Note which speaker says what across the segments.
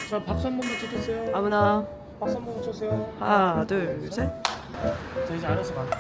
Speaker 1: 자, 박수 한 번만 쳐주세요.
Speaker 2: 아무나.
Speaker 1: 박수 한 번만 쳐주세요.
Speaker 2: 하나, 둘, 셋.
Speaker 1: 자, 이제 알아서 가.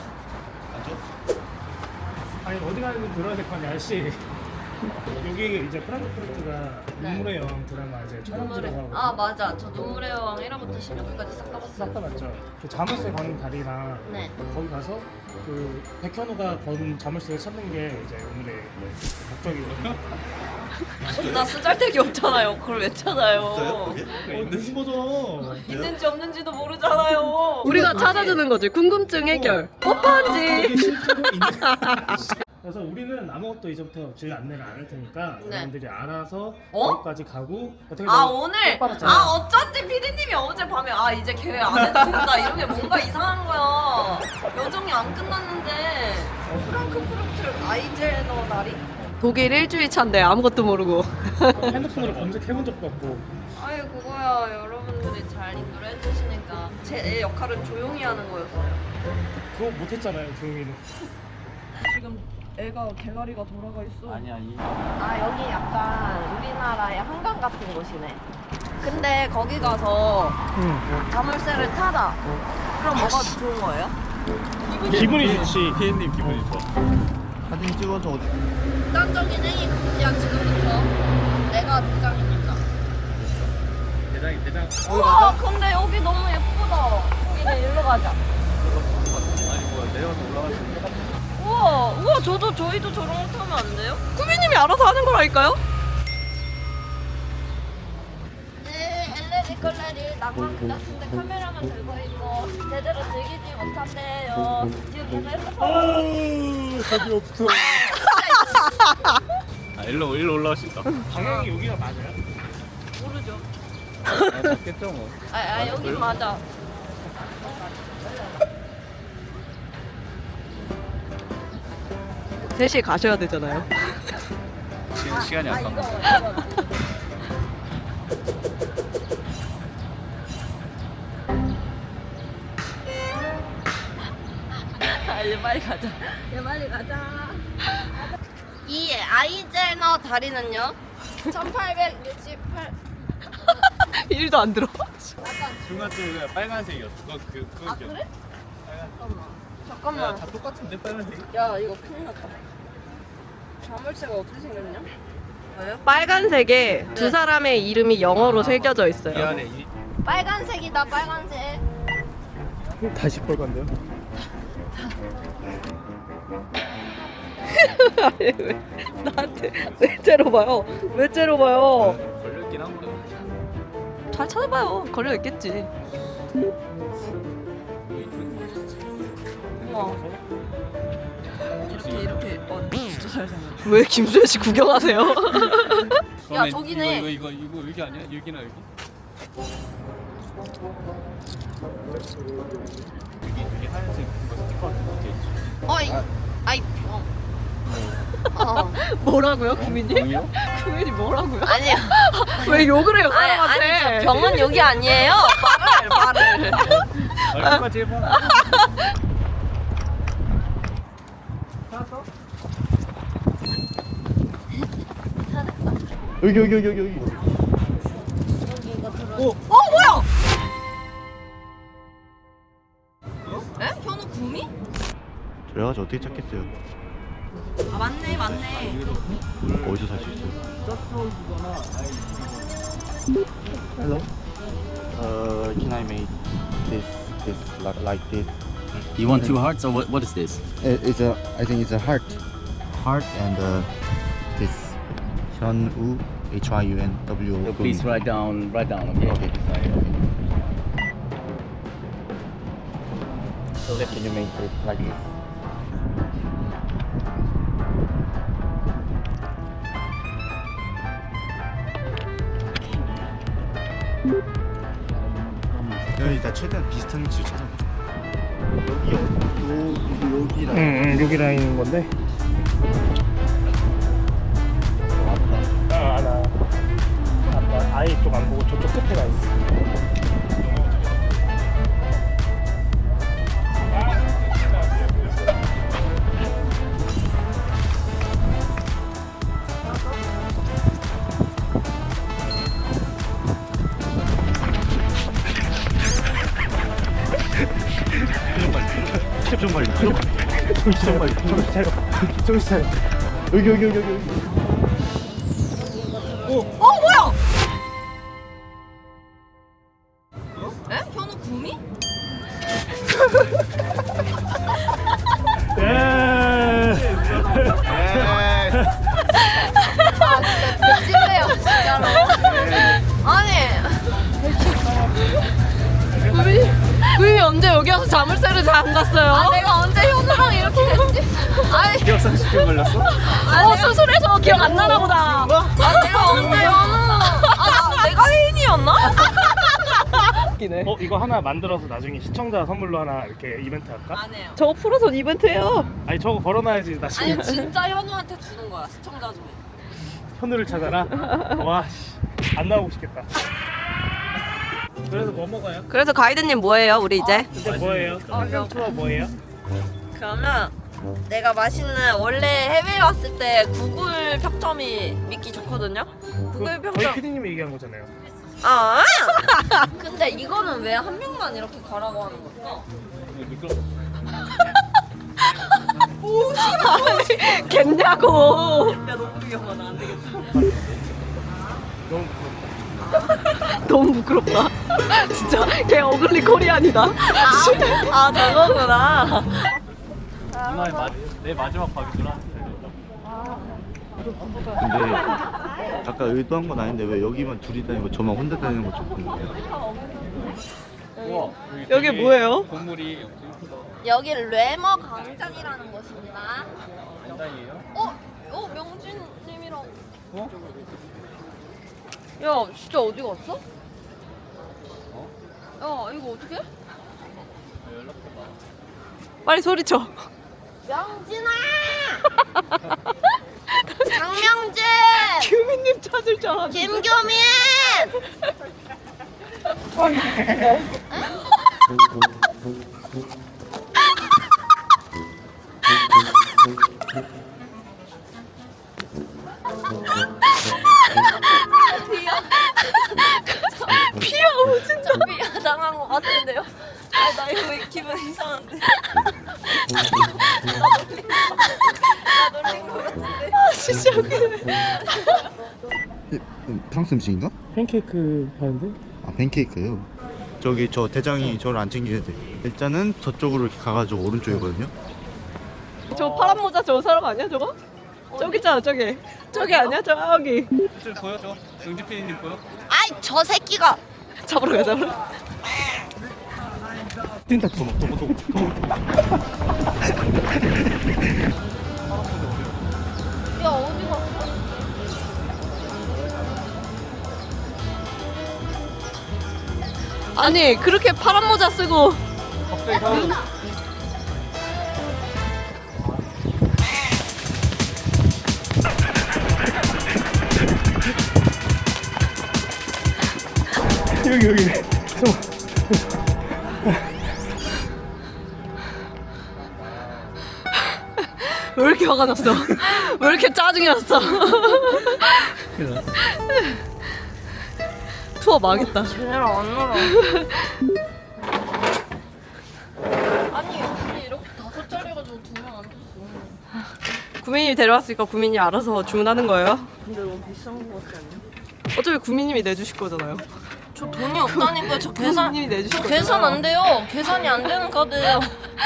Speaker 1: 아니 어디 가는지 들어야 될 거 아니야, 아저씨. 여기 이제 프랑크푸르트가 눈물의 여왕 드라마 이제 촬영지라고 하고.
Speaker 3: 아 맞아, 저 눈물의 여왕 1화부터 16화까지 싹 가봤어요.
Speaker 1: 싹 다 맞죠. 그 자물쇠 거는 다리랑
Speaker 3: 네.
Speaker 1: 거기 가서 그 백현우가 건 자물쇠를 찾는 게 이제 오늘의 목적이거든요.
Speaker 3: 나 쓰잘데기 없잖아요. 그걸 왜 찾아요?
Speaker 1: 무슨 거죠?
Speaker 3: 있는지 없는지도 모르잖아요.
Speaker 2: 우리가 찾아주는 거지. 궁금증 해결. 뽀뽀한지.
Speaker 1: 이게 실제로 있는. 그래서 우리는 아무것도 이제부터 저희 안내를 안 할 테니까
Speaker 3: 네.
Speaker 1: 여러분들이 알아서
Speaker 3: 어?
Speaker 1: 거기까지 가고 어떻게
Speaker 3: 아
Speaker 1: 보면
Speaker 3: 오늘
Speaker 1: 똑바랐잖아요.
Speaker 3: 아 어쩐지 피디님이 어젯밤에 아 이제 계획 안 해도 된다 이런 게 뭔가 이상한 거야. 여정이 안 끝났는데 프랑크푸르트 아이젠어 날이?
Speaker 2: 독일 일주일 차인데 아무것도 모르고.
Speaker 1: 핸드폰으로 검색해본 적도 없고.
Speaker 3: 아유 그거야 여러분들이 잘 인도를 해주시니까 제 역할은 조용히 하는 거였어요.
Speaker 1: 그거 못했잖아요, 조용히는.
Speaker 3: 지금 애가 개가리가 돌아가 있어.
Speaker 4: 아니
Speaker 3: 아 여기 약간 우리나라의 한강 같은 곳이네. 근데 거기 가서 자물쇠를 타다. 그럼 뭐가 좋은 거예요?
Speaker 1: 기분이 좋지.
Speaker 4: 피디님 기분이 좋아. 사진 찍어서 어디?
Speaker 3: 극단적인 행위 금지야 지금부터. 내가 대장이니까.
Speaker 4: 대장.
Speaker 3: 우와 근데 여기 너무 예쁘다. 이제 일로 가자.
Speaker 4: 아니 뭐야 내려가서 올라갈 수 있는
Speaker 3: 우와 저희도 저런 거 타면 안 돼요?
Speaker 2: 쿠비님이 알아서 하는 거라니까요?
Speaker 3: 네, LED 컬러리 낭만 그 같은데 카메라만 들고 있고 제대로 즐기지 못한대요. 지금 계속
Speaker 1: 아우, 답이 없어.
Speaker 4: 아 일로 올라갈 수 있다.
Speaker 1: 방향이 여기가 맞아요?
Speaker 3: 모르죠.
Speaker 4: 아 맞겠죠 뭐.
Speaker 3: 아 여기 맞아.
Speaker 2: 셋이 가셔야 되잖아요.
Speaker 4: 시간이 아까운 거.
Speaker 3: 이제 빨리 가자. 이제 빨리 가자. 이 아이젠어 다리는요? 1868.
Speaker 2: 1도 안 들어.
Speaker 4: 중간쪽에 빨간색이었어. 그거
Speaker 3: 아 그래? 잠깐만.
Speaker 4: 다 똑같은데 빨간색.
Speaker 3: 야 이거 큰일 났다. 자물쇠가 어떻게 생겼냐? 왜요?
Speaker 2: 빨간색에 두 사람의 이름이 영어로 새겨져 있어요.
Speaker 4: 미안해. 이
Speaker 3: 빨간색이다 빨간색.
Speaker 1: 다시 빨간데요?
Speaker 2: 아니, 왜 나한테 왜 째려봐요? 왜 째려봐요?
Speaker 4: 걸렸긴 한 거야.
Speaker 2: 잘 찾아봐요. 걸려 있겠지.
Speaker 3: 우와. 이렇게 진짜 잘 생겼.
Speaker 2: 왜 김수현 씨 구경하세요?
Speaker 3: 야, 저기네.
Speaker 4: 이거 여기 아니야? 여기나 여기? 여기 하얀색 그거 스티커 같은 거 있지.
Speaker 3: 아이 병. 어.
Speaker 2: 뭐라고요, 구민님?
Speaker 4: 병이요?
Speaker 2: 구민이 뭐라고요?
Speaker 3: 아니야.
Speaker 2: 왜 욕을 해요,
Speaker 3: 아니
Speaker 2: 사람한테?
Speaker 3: 저 병은 여기 아니에요. 말을.
Speaker 4: 아, 끝까지 해봐. 여기.
Speaker 3: 뭐야? 에? 현우 구미?
Speaker 5: 그래가지고 어떻게 찾겠어요?
Speaker 3: 아 맞네.
Speaker 5: 어디서 살 수 있어요? Hello. Can I make this like this?
Speaker 6: You want two hearts or what is this?
Speaker 5: It's a I think it's a heart. Heart and this Hyunwoo Hyunwo.
Speaker 6: So please write down, okay?
Speaker 5: Okay.
Speaker 6: Okay.
Speaker 5: So can you make it like this? 일단 최대한 비슷한 위치를 찾아보자. 여기랑
Speaker 1: 여기 라인인 건데. 알아. 아예 이쪽 안 보고 저쪽 끝에 가 있어.
Speaker 5: 정말 정신 차려. 여기.
Speaker 3: 뭐야? 에? 현우 구미?
Speaker 1: 예.
Speaker 3: 찜래요 진짜로. 아니
Speaker 2: 구미 언제 여기 와서 자물쇠를 안 갔어요?
Speaker 3: 아 내가 언제 현우랑 이렇게 됐지? 아니
Speaker 1: 기억상실증 걸렸어?
Speaker 2: 수술해서 기억 안 나나 보다.
Speaker 3: 아 내가 언제 현우 내가 혜인이었나?
Speaker 1: 이거 하나 만들어서 나중에 시청자 선물로 하나 이렇게 이벤트 할까?
Speaker 3: 안 해요.
Speaker 2: 저거 풀어서 이벤트예요.
Speaker 1: 아니 저거 걸어놔야지 나중에.
Speaker 3: 아니 진짜 현우한테 주는 거야 시청자 중에.
Speaker 1: 현우를 찾아라. 와, 씨, 안 나오고 싶겠다. 그래서 뭐 먹어요?
Speaker 2: 그래서 가이드님 뭐예요, 우리 이제?
Speaker 1: 근데 뭐예요? 환경 투어 뭐예요?
Speaker 3: 그러면 내가 맛있는 원래 해외 왔을 때 구글 평점이 믿기 좋거든요. 구글
Speaker 1: 저희
Speaker 3: 평점.
Speaker 1: PD님이 얘기한 거잖아요.
Speaker 3: 아. 근데 이거는 왜 한 명만 이렇게 가라고 하는 걸까?
Speaker 2: 겠냐고.
Speaker 3: 야 너무 위험하다 안 되겠다.
Speaker 1: 너무 부럽다.
Speaker 2: 너무 부끄럽다. 진짜 걔 어글리 코리안이다.
Speaker 3: 아 저거구나.
Speaker 4: 누나의 내 마지막 밥이 누나한테
Speaker 5: 근데 아까 의도한 건 아닌데 왜 여기만 둘이 다니고 저만 혼자 다니는 거 좀 궁금해요.
Speaker 4: 우와
Speaker 2: 여기 뭐예요?
Speaker 4: 건물이
Speaker 3: 여기 레머 광장이라는 곳입니다.
Speaker 4: 안장이에요?
Speaker 3: 명진님이랑.
Speaker 4: 어?
Speaker 3: 야 진짜 어디 갔어? 야 이거 어떻게?
Speaker 2: 빨리 소리쳐.
Speaker 3: 명진아! 장명진!
Speaker 2: 규민님 찾을 줄 알았는데.
Speaker 3: 김규민!
Speaker 2: 피하고 진짜.
Speaker 3: 미안당한 것 같은데요? 아, 나 이거 왜 기분 이상한데? 나 놀린 것 같은데?
Speaker 2: 진짜 웃기네.
Speaker 5: 프랑스 음식인가?
Speaker 1: 팬케이크 파는데?
Speaker 5: 아 팬케이크요. 저기 저 대장이 저를 안 챙겨야 돼. 일단은 저쪽으로 이렇게 가가지고 오른쪽이거든요.
Speaker 2: 저 파란 모자 저 사람 아니야 저거? 저기 있잖아 저기. 저기 아니야 저기.
Speaker 4: 저 보여 저? 영지 PD님 보여?
Speaker 3: 아이, 저 새끼가!
Speaker 2: 잡으러 가자.
Speaker 1: 뛴다 도망.
Speaker 3: 야, 어디 갔어?
Speaker 2: 아니 그렇게 파란 모자 쓰고.
Speaker 1: 여기.
Speaker 2: 왜 이렇게 화가 났어? 왜 이렇게 짜증이 났어? 투어 망했다.
Speaker 3: 제대로 안 놀아. 아니, 여기 이렇게 5짜리가지고 2명 안 줬어.
Speaker 2: 구민님이 데려왔으니까 구민이 알아서 주문하는 거예요.
Speaker 3: 근데 너무 비싼 거 같지 않냐?
Speaker 2: 어차피 구민님이 내주실 거잖아요.
Speaker 3: 저 돈이 없다니까요. 저 계산.
Speaker 2: 구민님이 내주실
Speaker 3: 저
Speaker 2: 거잖아요.
Speaker 3: 계산 안 돼요. 계산이 안 되는 카드예요.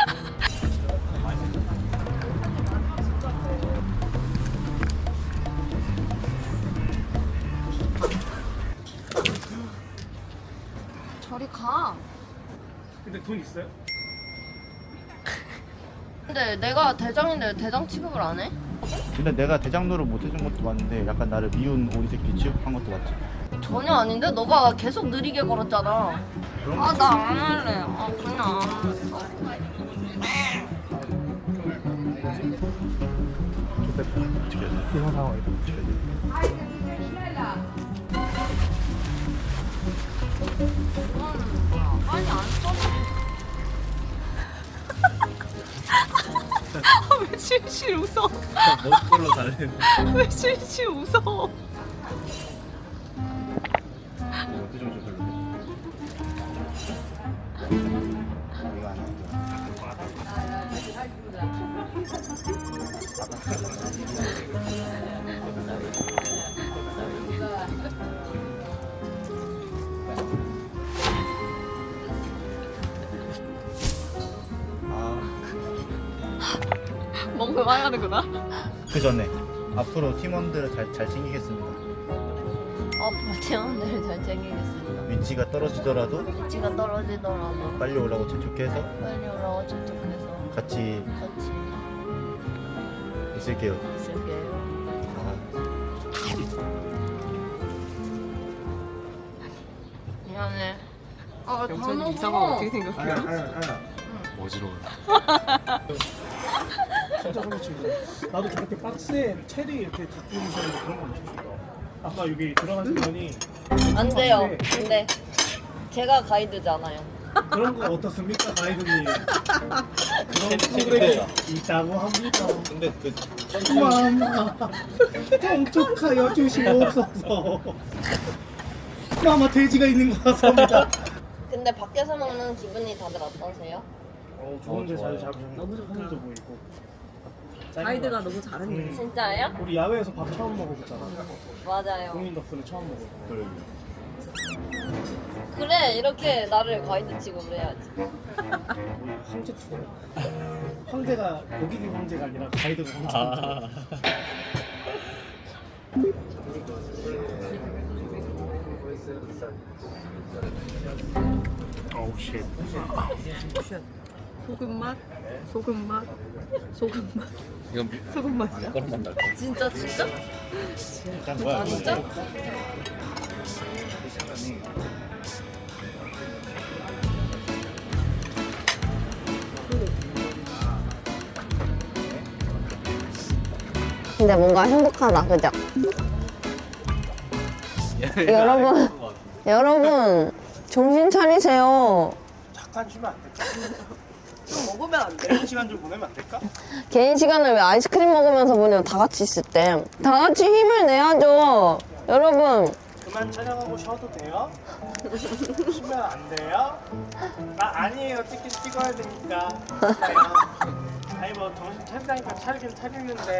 Speaker 3: 저리 가.
Speaker 1: 근데 돈 있어요?
Speaker 3: 근데 내가 대장인데 대장 취급을 안 해?
Speaker 5: 근데 내가 대장노를 못 해준 것도 맞는데 약간 나를 미운 오리 새끼 취급한 것도 맞지.
Speaker 3: 전혀 아닌데? 너가 계속 느리게 걸었잖아. 아, 나 안 할래. 아, 그냥 안 할래.
Speaker 1: 좋겠다. 이상 상황이다.
Speaker 3: 빨리 안 써.
Speaker 2: 왜 실실 웃어?
Speaker 4: 먹을 걸로 달래.
Speaker 2: 왜 실실 웃어?
Speaker 4: 어떻게 좀 별로.
Speaker 5: 이거 아니야.
Speaker 2: 먹고 말하는구나.
Speaker 5: 그 전에 앞으로 팀원들을 잘 챙기겠습니다.
Speaker 3: 앞으로 팀원들을 잘 챙기겠습니다.
Speaker 5: 위치가 떨어지더라도
Speaker 3: 위치가 떨어지더라도
Speaker 5: 빨리 오라고 재촉해서
Speaker 3: 빨리 오라고 접촉해서
Speaker 5: 같이
Speaker 3: 같이
Speaker 5: 있을게요.
Speaker 3: 있을게요. 미안해. 아,
Speaker 2: 영찬이 이상하고 어떻게 생각해요?
Speaker 4: 어지러워.
Speaker 1: 진짜 소매치고. 나도 저렇게 박스에 체리 이렇게 갖고 오시는데 그런 거 엄청 싫어. 아까 여기 들어가신 분이
Speaker 3: 안 돼요. 근데 제가 가이드잖아요.
Speaker 1: 그런 거 어떻습니까, 가이드님? 그런 프로그램이 있다고 합니다.
Speaker 5: 근데 그
Speaker 1: 마마, 통촉하여 주시옵소서. 마마 돼지가 있는 것 같습니다.
Speaker 3: 근데 밖에서 먹는 기분이 다들 어떠세요?
Speaker 1: 좋은데
Speaker 4: 좋아요.
Speaker 1: 잘 잡으셨네.
Speaker 2: 너무 좋다.
Speaker 1: 손도 보이고.
Speaker 2: 가이드가 너무 잘했네.
Speaker 3: 진짜예요?
Speaker 1: 우리 야외에서 밥 처음 먹어보잖아.
Speaker 3: 맞아요.
Speaker 1: 공인 덕분에 처음 먹어.
Speaker 3: 그래, 이렇게 나를 가이드 취급을 해야지.
Speaker 1: 우리 황제 투어. 황제가 고기님 황제가 아니라 가이드가 황제입니다. 어우 쉣.
Speaker 2: 소금 맛, 소금 맛, 소금 맛,
Speaker 6: 이건
Speaker 2: 소금 맛이야?
Speaker 6: 그런 날
Speaker 3: 진짜 진짜?
Speaker 1: 일단 뭐야?
Speaker 3: 진짜?
Speaker 7: 근데 뭔가 행복하다, 그죠? 여러분, 정신 차리세요.
Speaker 1: 잠깐 쉬면 안 될까?
Speaker 2: 좀 먹으면 안 돼?
Speaker 1: 개인 시간 좀 보내면 안 될까?
Speaker 7: 개인 시간을 왜 아이스크림 먹으면서 보내요? 다 같이 있을 때. 다 같이 힘을 내야죠. 여러분,
Speaker 1: 그만 촬영하고 쉬어도 돼요? 쉬면 안 돼요? 아니에요. 찍어야 되니까. 아니 뭐 정신 차리다니까 차리긴 차리는데.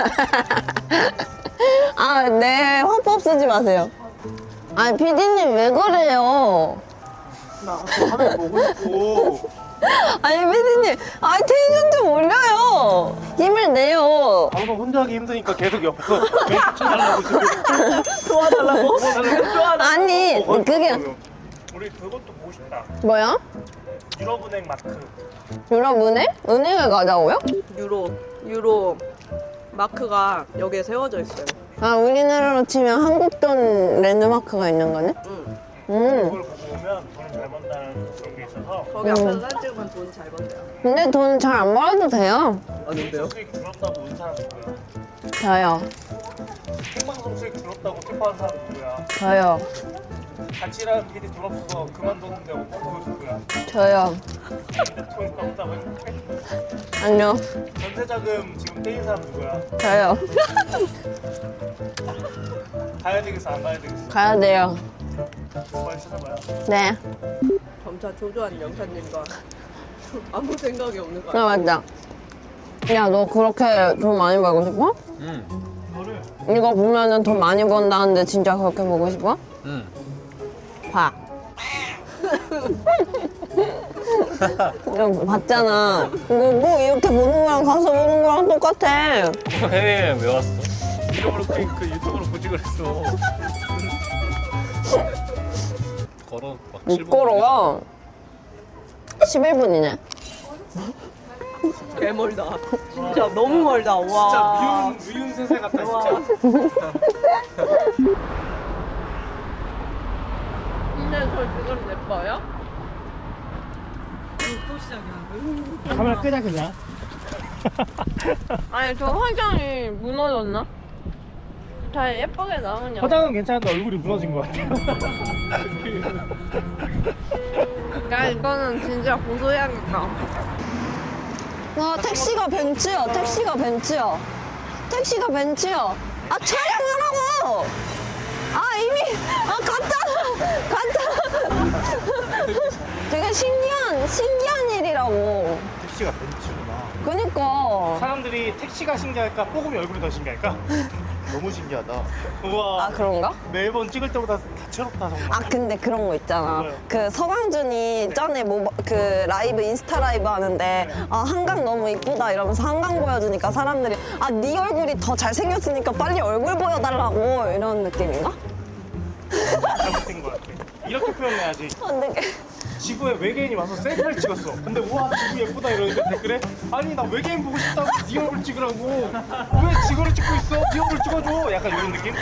Speaker 7: 아, 네, 화법 쓰지 마세요. 아니, PD님 왜 그래요?
Speaker 1: 나 화면 보고 싶고.
Speaker 7: 아니, PD님, 아, 텐션 좀 올려요. 힘을 내요.
Speaker 1: 방송 혼자 하기 힘드니까 계속 옆에서 멘트 쳐달라고 지금.
Speaker 2: 도와달라고?
Speaker 7: 아니, 그게,
Speaker 1: 우리 그것도 보고 싶다.
Speaker 7: 뭐야?
Speaker 1: 유럽은행 마크.
Speaker 7: 유럽은행? 은행을 가자고요?
Speaker 2: 유로 마크가 여기에 세워져 있어요.
Speaker 7: 아, 우리나라로 치면 한국 돈 랜드마크가 있는 거네?
Speaker 2: 응.
Speaker 1: 그걸 보고 오면 돈을 잘 번다는 그런 게 있어서.
Speaker 2: 거기 앞에서 사진 찍으면 돈 잘 번대요.
Speaker 7: 근데 돈 잘 안 벌어도 돼요.
Speaker 2: 아닌데요?
Speaker 1: 수익 줄었다고 온 사람 누구야?
Speaker 7: 저요.
Speaker 1: 생방송 수익 줄었다고 슬퍼하는 사람 누구야?
Speaker 7: 저요.
Speaker 1: 같이 일하는 PD 돈 없어서 그만뒀는데 그거 누구야?
Speaker 7: 저요.
Speaker 1: 근데 돈 없다고 했는데?
Speaker 7: 아니요.
Speaker 1: 전세자금 지금 떼인 사람 누구야?
Speaker 7: 저요.
Speaker 1: 가야 되겠어 안 가야 되겠어?
Speaker 7: 가야 돼요.
Speaker 1: 빨리 찾아봐요.
Speaker 7: 네.
Speaker 2: 점차 조조한 영찬님과 아무 생각이 없는 거야.
Speaker 7: 아, 맞다. 야, 너 그렇게 돈 많이 벌고 싶어?
Speaker 1: 이거를
Speaker 7: 이거 보면은 돈 많이 번다는데 진짜 그렇게 보고 싶어?
Speaker 6: 응.
Speaker 7: 봐. 이거 봤잖아. 이거 뭐 이렇게 보는 거랑 가서 보는 거랑 똑같아.
Speaker 4: 해외여행 왜 왔어? 유튜브로 그 유튜브로 보지 그랬어. 걸어 막
Speaker 7: 못
Speaker 4: 7분
Speaker 7: 걸어요. 11분이네.
Speaker 2: 개 멀다. 진짜 너무 멀다. 와.
Speaker 1: 진짜 미운 세상 같다
Speaker 2: 와.
Speaker 1: 진짜.
Speaker 2: 근데 저 지금 예뻐요? 또 시작이야.
Speaker 1: 카메라 끄자 그냥.
Speaker 7: 아니, 저 화장이 무너졌나? 잘 예쁘게 나오냐고.
Speaker 1: 화장은 괜찮은데 얼굴이 무너진 것 같아.
Speaker 7: 야, 이거는 진짜 고소해야겠다. 와, 택시가 벤츠야. 택시가 벤츠야. 택시가 벤츠야. 아, 촬영하라고! 아, 이미, 아, 갔잖아! 갔잖아! 되게 신기한 일이라고.
Speaker 5: 택시가 벤츠구나.
Speaker 7: 그니까.
Speaker 1: 사람들이 택시가 신기할까? 뽀금이 얼굴이 더 신기할까?
Speaker 5: 너무 신기하다.
Speaker 1: 우와.
Speaker 7: 아, 그런가?
Speaker 1: 매번 찍을 때보다 다채롭다 정말.
Speaker 7: 아, 근데 그런 거 있잖아.
Speaker 1: 뭐요?
Speaker 7: 그 서강준이 전에 그 라이브, 인스타 라이브 하는데, 아, 한강 너무 이쁘다 이러면서 한강 보여주니까 사람들이, 아, 네 얼굴이 더 잘생겼으니까 빨리 얼굴 보여달라고 이런 느낌인가?
Speaker 1: 잘못된 것 같아. 이렇게 표현해야지.
Speaker 7: 안 되게.
Speaker 1: 지구에 외계인이 와서 셀카를 찍었어. 근데 우와 지구 예쁘다 이러는데 댓글에 아니 나 외계인 보고 싶다고 네 얼굴 찍으라고. 왜 지구를 찍고 있어? 네 얼굴 찍어줘. 약간 이런 느낌?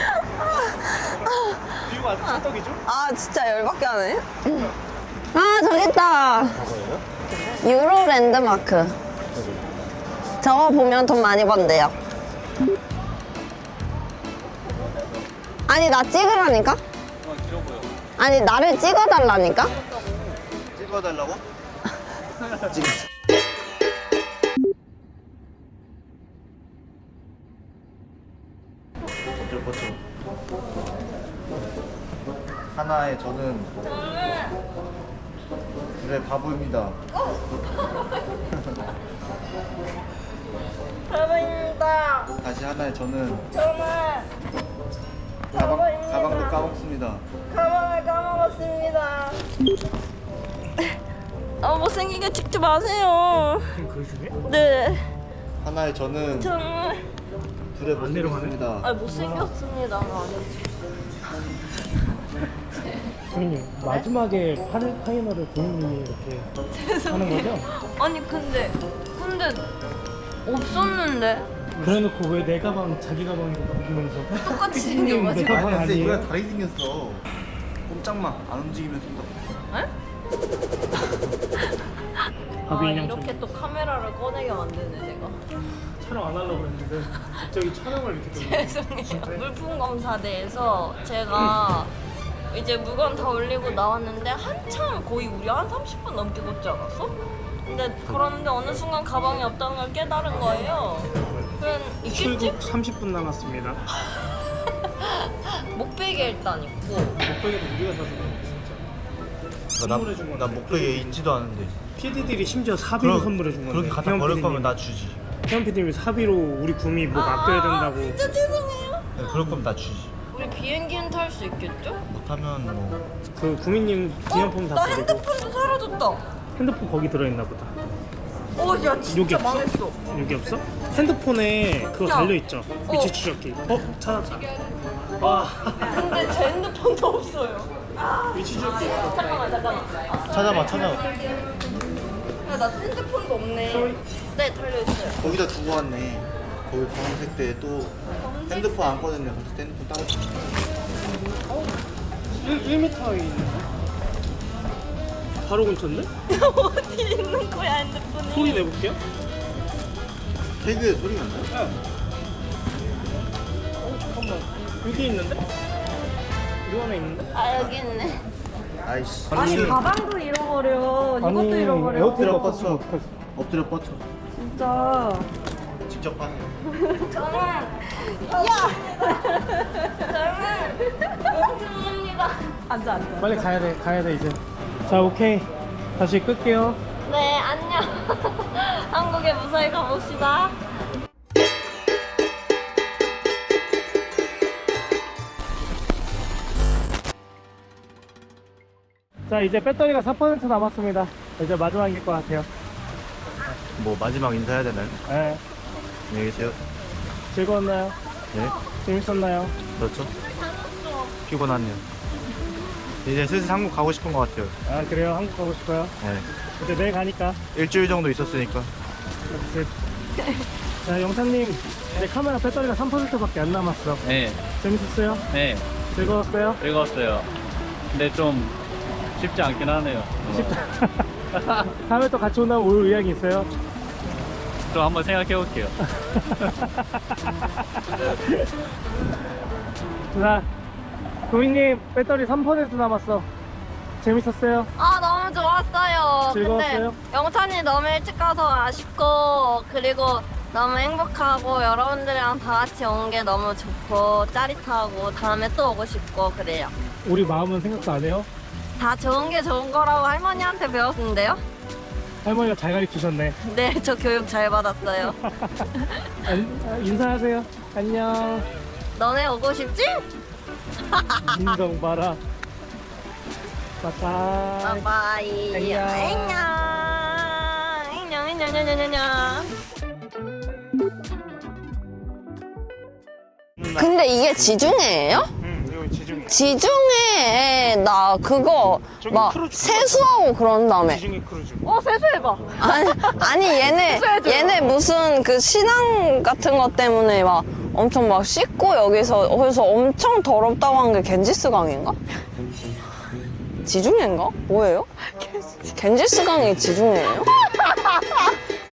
Speaker 1: 뷰가 아주 찰떡이죠?
Speaker 7: 아, 진짜 열받게 하네. 아, 저기 있다. 유로 랜드마크. 저거 보면 돈 많이 번대요. 아니, 나 찍으라니까? 아니, 나를 찍어달라니까?
Speaker 5: 찍어달라고? 찍. 버텨. 하나의 저는 그래 바보입니다.
Speaker 7: 바보입니다.
Speaker 5: 다시 하나의 저는
Speaker 7: 저는
Speaker 5: 가방도 까먹습니다.
Speaker 7: 가방을 까먹었습니다. 아, 못생기게 찍지 마세요.
Speaker 1: 그 중에?
Speaker 7: 네.
Speaker 5: 하나의 저는
Speaker 7: 정말.
Speaker 5: 둘의
Speaker 1: 안 내려가네.
Speaker 5: 모습입니다.
Speaker 7: 아, 못생겼습니다.
Speaker 1: 선생님 마지막에 파이널을 본인이 이렇게 하는 거죠?
Speaker 3: 아니 근데 없었는데
Speaker 1: 그래놓고 왜 내 가방 자기 가방이고 보면서
Speaker 3: 똑같이
Speaker 1: 선생님 내
Speaker 3: 생겨가지고.
Speaker 1: 가방
Speaker 5: 근데
Speaker 1: 아니에요?
Speaker 5: 이거랑 다르게 생겼어. 꼼짝마 안 움직이면 쏜다.
Speaker 1: 바비
Speaker 3: 아
Speaker 1: 인형
Speaker 3: 이렇게 또 카메라를 꺼내게 만드네 제가.
Speaker 1: 촬영 안 하려고 했는데 갑자기 촬영을 이렇게 또
Speaker 3: 죄송해요. 물품 검사대에서 제가 이제 물건 다 올리고 나왔는데 한참 거의 우리 한 30분 넘게 걷지 않았어? 근데 그런데 어느 순간 가방이 없다는 걸 깨달은 거예요. 그냥 있겠지?
Speaker 1: 출국 30분 남았습니다.
Speaker 3: 목베개 일단 있고
Speaker 1: 목베개도 우리가 사준 거야 진짜. 선물해 준
Speaker 5: 나
Speaker 1: 건데.
Speaker 5: 목베개 있지도 않은데.
Speaker 1: PD들이 심지어 사비로 선물해 준 건데.
Speaker 5: 그렇게 갖다 버릴 거면 나 주지.
Speaker 1: 태연 PD님이 사비로 우리 구미 뭐 맡겨야 된다고.
Speaker 3: 진짜 죄송해요.
Speaker 5: 네, 그럴 거면 나 주지.
Speaker 3: 우리 비행기는 탈 수 있겠죠?
Speaker 5: 못하면 뭐
Speaker 1: 그 구미님 기념품 다
Speaker 3: 나
Speaker 1: 버리고
Speaker 3: 핸드폰도 사라졌다.
Speaker 1: 핸드폰 거기 들어있나 보다.
Speaker 3: 야
Speaker 1: 여기
Speaker 3: 진짜
Speaker 1: 없어?
Speaker 3: 망했어.
Speaker 1: 여기 없어? 핸드폰에 그거
Speaker 3: 야.
Speaker 1: 달려있죠? 위치 추적기. 찾았다. 와.
Speaker 3: 근데 제 핸드폰도 없어요.
Speaker 1: 위치 추적기.
Speaker 3: 잠깐만.
Speaker 5: 찾아봐.
Speaker 3: 야, 나 핸드폰도 없네. 네, 달려있어요.
Speaker 5: 거기다 두고 왔네. 거기 검은색 때 또 핸드폰 안 꺼냈네. 거기서 핸드폰 따로 줬네.
Speaker 1: 1m에 있는데? 바로 근처인데?
Speaker 3: 어디 있는 거야, 핸드폰이?
Speaker 1: 소리 내볼게요.
Speaker 5: 태그에 소리가 나요?
Speaker 1: 잠깐만. 여기 있는데? 이 안에 있는데?
Speaker 3: 아, 여기 있네.
Speaker 5: 아이씨.
Speaker 3: 아니, 가방도 잃어버려. 이것도
Speaker 1: 아니,
Speaker 3: 잃어버려.
Speaker 1: 에어컨
Speaker 5: 엎드려
Speaker 1: 뻗쳐.
Speaker 5: 뻗쳐. 엎드려 뻗쳐.
Speaker 3: 진짜.
Speaker 5: 직접 하세요.
Speaker 3: 저는 멍청합니다. 앉아.
Speaker 1: 빨리 가야 돼 이제. 자, 오케이. 다시 끌게요.
Speaker 3: 네, 안녕. 한국에 무사히 가봅시다.
Speaker 1: 자, 이제 배터리가 4% 남았습니다. 이제 마지막일 것 같아요.
Speaker 5: 뭐 마지막 인사해야 되나요?
Speaker 1: 네.
Speaker 5: 안녕히 계세요.
Speaker 1: 즐거웠나요?
Speaker 5: 네.
Speaker 1: 재밌었나요?
Speaker 5: 그렇죠. 피곤하네요. 이제 슬슬 한국 가고 싶은 것 같아요.
Speaker 1: 아, 그래요? 한국 가고 싶어요?
Speaker 5: 네.
Speaker 1: 이제 내일 가니까.
Speaker 5: 일주일 정도 있었으니까.
Speaker 1: 자, 영상님. 이제 카메라 배터리가 3%밖에 안 남았어.
Speaker 4: 네,
Speaker 1: 재밌었어요?
Speaker 4: 네,
Speaker 1: 즐거웠어요?
Speaker 4: 즐거웠어요. 근데 좀 쉽지 않긴 하네요.
Speaker 1: 다음에 또 같이 온다면 올 의향이 있어요?
Speaker 4: 좀 한번 생각해 볼게요.
Speaker 1: 자, 도민님 배터리 3% 남았어. 재밌었어요?
Speaker 3: 아, 너무 좋았어요.
Speaker 1: 즐거웠어요?
Speaker 3: 근데 영찬이 너무 일찍 가서 아쉽고, 그리고 너무 행복하고, 여러분들이랑 다 같이 온 게 너무 좋고, 짜릿하고, 다음에 또 오고 싶고, 그래요.
Speaker 1: 우리 마음은 생각도 안 해요?
Speaker 3: 다 좋은 게 좋은 거라고 할머니한테 배웠는데요?
Speaker 1: 할머니가 잘 가르치셨네.
Speaker 3: 네, 저 교육 잘 받았어요.
Speaker 1: 인사하세요. 안녕.
Speaker 3: 너네 오고 싶지?
Speaker 1: 인성 봐라. 빠빠이.
Speaker 3: 바이바이.
Speaker 1: 안녕.
Speaker 3: 안녕. 안녕.
Speaker 7: 근데 이게 지중해예요?
Speaker 1: 이거 지중해.
Speaker 7: 지중해에 나 그거
Speaker 1: 저기
Speaker 7: 막
Speaker 1: 크루즈
Speaker 7: 세수하고 그런 다음에
Speaker 1: 지중해 크루즈.
Speaker 2: 세수해봐.
Speaker 7: 아니 얘네 무슨 그 신앙 같은 것 때문에 막 엄청 막 씻고 여기서 엄청 더럽다고 한 게 겐지스 강인가? 지중해인가? 뭐예요? 겐지스 강이 지중해예요?